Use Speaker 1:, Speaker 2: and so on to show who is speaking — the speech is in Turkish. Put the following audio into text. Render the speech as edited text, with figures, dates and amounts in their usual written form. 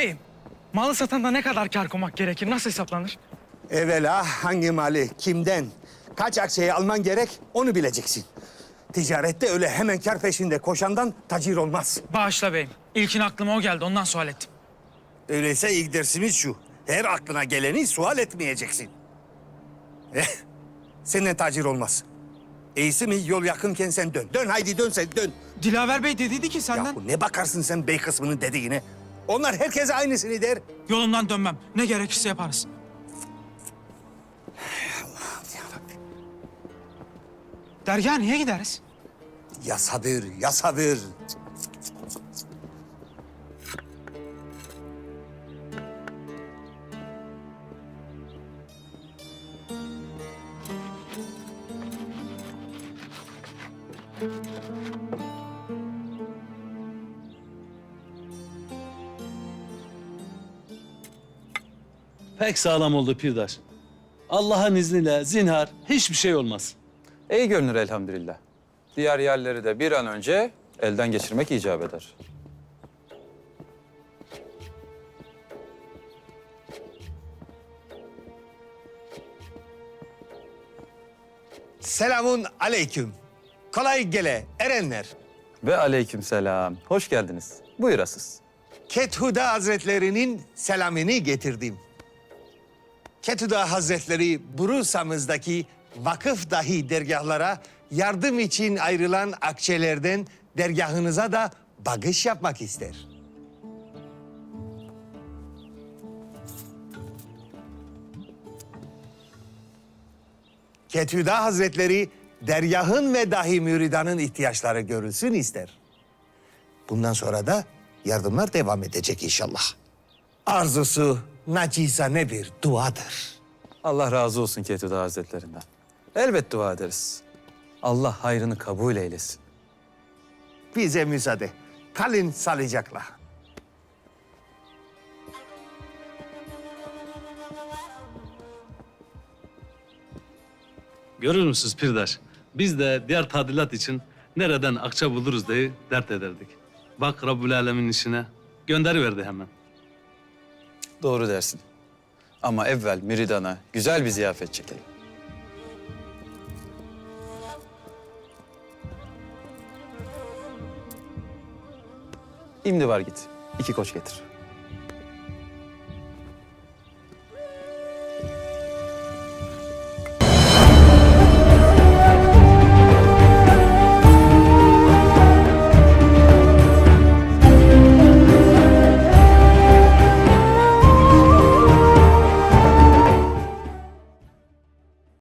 Speaker 1: Beyim, malı satanda ne kadar kâr koymak gerekir? Nasıl hesaplanır?
Speaker 2: Evvela hangi mali, kimden, kaç akçeyi alman gerek onu bileceksin. Ticarette öyle hemen kar peşinde koşandan tacir olmaz.
Speaker 1: Bağışla beyim. İlkin aklıma o geldi. Ondan sual ettim.
Speaker 2: Öyleyse ilk dersimiz şu. Her aklına geleni sual etmeyeceksin. Senden tacir olmaz. İyisi mi yol yakınken sen dön. Dön haydi dön sen dön.
Speaker 1: Dilaver Bey dediydi ki senden...
Speaker 2: Yahu ne bakarsın sen bey kısmının dediğine? Onlar herkese aynısını der.
Speaker 1: Yolumdan dönmem. Ne gerekirse yaparız. Dergaha niye gideriz?
Speaker 2: Ya sabır, ya sabır.
Speaker 3: Pek sağlam oldu Pirdaş. Allah'ın izniyle zinhar hiçbir şey olmaz.
Speaker 4: İyi görünür elhamdülillah. Diğer yerleri de bir an önce elden geçirmek icap eder.
Speaker 2: Selamun aleyküm. Kolay gele erenler.
Speaker 4: Ve aleykümselam. Hoş geldiniz. Buyurasız.
Speaker 2: Kethuda Hazretlerinin selamını getirdim. Kethuda Hazretleri Bursa'mızdaki vakıf dahi dergahlara yardım için ayrılan akçelerden dergahınıza da bağış yapmak ister. Kethuda Hazretleri dergahın ve dahi müridanın ihtiyaçları görülsün ister. Bundan sonra da yardımlar devam edecek inşallah. Arzusu nacizane bir duadır.
Speaker 4: Allah razı olsun Kethuda Hazretlerinden. Elbet dua ederiz. Allah hayrını kabul eylesin.
Speaker 2: Bize müsaade. Kalın sağlıcakla.
Speaker 3: Görür müsünüz Pirdaş? Biz de diğer tadilat için nereden akça buluruz diye dert ederdik. Bak Rabbül Alemin işine gönderiverdi hemen.
Speaker 4: Doğru dersin. Ama evvel müridana güzel bir ziyafet çekelim. İmdi var git. 2 koç getir.